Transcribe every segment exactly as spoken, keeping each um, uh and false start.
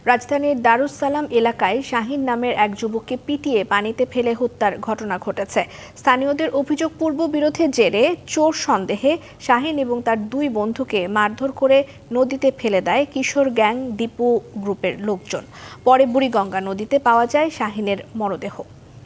রাজধানীর দারুস সালাম এলাকায় শাহিন নামের এক যুবককে পিটিয়ে পানিতে ফেলে হত্যার ঘটনা ঘটেছে। স্থানীয়দের অভিযোগ, পূর্ব বিরোধের জেরে চোর সন্দেহে শাহিন এবং তার দুই বন্ধুকে মারধর করে নদীতে ফেলে দেয় কিশোর গ্যাং দীপু গ্রুপের লোকজন। পরে বুড়িগঙ্গা নদীতে পাওয়া যায় শাহিনের মরদেহ।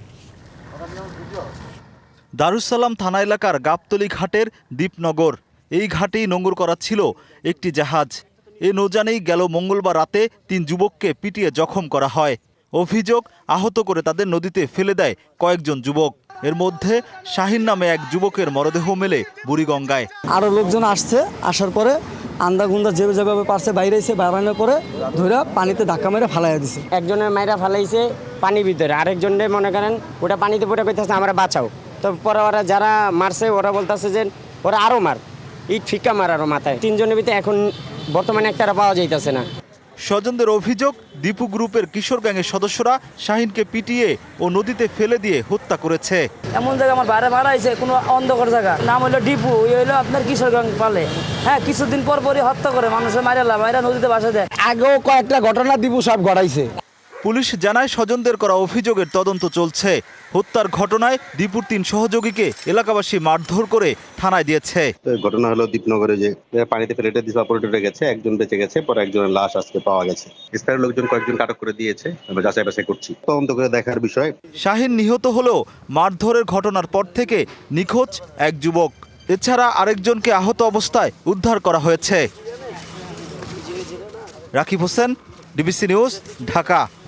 দারুস সালাম থানা এলাকার গাবতলী ঘাটের দ্বীপনগর, এই ঘাটেই নোঙর করা ছিল একটি জাহাজ। এ নৌযানেই গেল মঙ্গলবার রাতে তিন যুবককে পিটিয়ে জখম করা হয়। অভিযোগ, আহত করে তাদের নদীতে ফেলে দেয় কয়েকজন যুবক। এর মধ্যে শাহিন নামে এক যুবকের মরদেহ মেলে বুড়িগঙ্গায়। আরও লোকজন আসছে, আসার পরে আন্দা গুন্দা যেভাবে যেভাবে পারছে বাইরে এসে বাড়ানোর পরে ধরে পানিতে ধাক্কা মেরে ফালাইয়া দিছে। একজনের মাইরা ফালাইছে পানির ভিতরে, আরেকজনে মনে করেন ওটা পানিতে পড়ে কইতেছে আমরা বাঁচাও। তো পরে ওরা যারা মারছে ওরা বলতেছে যে ওরা আরও মার, ইট ফিক্কা মার আরও মাথায়। তিনজনের ভিতরে এখন বর্তমানে একটা পাওয়া যাইতেছে না। স্বজনদের অভিযোগ, দীপু গ্রুপের কিশোর গ্যাংয়ের সদস্যরা শাহিনকে পিটিয়ে ও নদীতে ফেলে দিয়ে হত্যা করেছে। এমন জায়গা আমার বাইরে ভাড়া হয়েছে, কোনো অন্ধকার জায়গা, নাম হলো ডিপু, ওই হইলো আপনার কিশোর গ্যাং পালে। হ্যাঁ, কিছুদিন পর পরই হত্যা করে মানুষের মাইরা মাইরা নদীতে বাসা দেয়। আগেও কয়েকটা ঘটনা দীপু সব ঘটাইছে। পুলিশ জানায় জনদের করা অভিযোগের তদন্ত চলছে। হত্যার ঘটনায় দীপুর তিন সহযোগীকে এলাকাবাসী মারধর করে থানায় দিয়েছে। ঘটনা হলো দ্বীপনগরে যে পানিতে ফেলে দিয়েছে, অপারেটরে গেছে, একজন বেঁচে গেছে, পরে একজনের লাশ আজকে পাওয়া গেছে। স্থানীয় লোকজন কয়েকজন আটক করে দিয়েছে, আমরা যাচাই বাছাই করছি, তদন্ত করে দেখার বিষয়। শাহিন নিহত হলেও মারধরের ঘটনার পর থেকে নিখোঁজ এক যুবক। এছাড়া আরেকজনকে আহত অবস্থায় উদ্ধার করা হয়েছে। Rakib Hossain, DBC news, Dhaka.